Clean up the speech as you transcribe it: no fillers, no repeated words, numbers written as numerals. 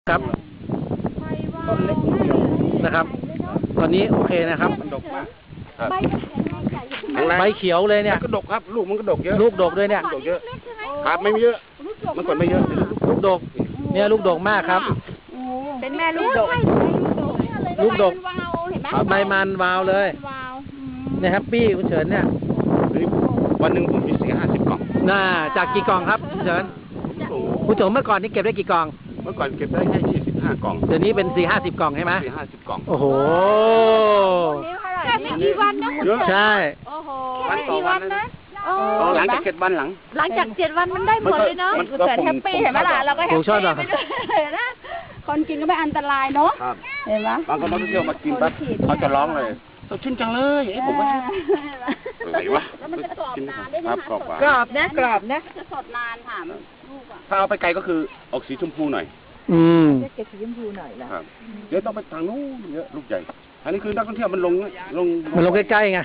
ครับต้นเล็กนิดเดียวนะครับ ตอนนี้โอเคนะครับมันดกมากใบเขียวเลยเนี่ยมันก็ดกครับ ลูกมันก็ดกเยอะลูกดกด้วยเนี่ยดกเยอะครับไม่เยอะมันก่อนไม่เยอะลูกดก เนี่ยลูกดกมากครับเป็นแม่ลูกดกลูกดกวาวเห็นไหมใบมันวาวเลยวาวเนี่ยแฮปปี้คุณเฉินเนี่ยวันหนึ่งผมมี40-50 กล่องน่าจากกี่กล่องครับคุณเฉินคุณเฉินเมื่อก่อนนี่เก็บได้กี่กล่องเมื่อก่อนเก็บได้แค่25 กล่องเดี๋ยวนี้เป็น4-50 กล่องใช่ไหม 40-50 กล่องโอ้โหแค่ไม่กี่วันนะคุณเยอะใช่โอ้โหวันต่อวันนะ หลังจาก7 วันหลังหลังจาก7 วันมันได้ผลเลยเนาะมันคุณก็เฉินแฮปปี้เห็นไหมล่ะเราก็แฮปผมปี้ชอบแบบไปด้วยนะคนกินก็ไม่อันตรายเนาะครับเห็นไหมบางคนนักท่องเที่ยวมากินปั๊บเขาจะร้องเลยสดชื่นจังเลยเอ้ผมว่าอะไรวะแล้วมันจะกรอบนานด้วยครันะบคะกรอบหวานกรอบนะกรอบนะจะสดนานค่ะลูกอ่ะถ้าเอาไปไกลก็คือออกสีชมพูหน่อยอืมเก็บสีชมพูหน่อยละครับเดี๋ยวต้องไปทางนู้นเยอะลูกใหญ่ อันนี้คือนักท่องเที่ยวมันลงมันลงใกล้ๆไง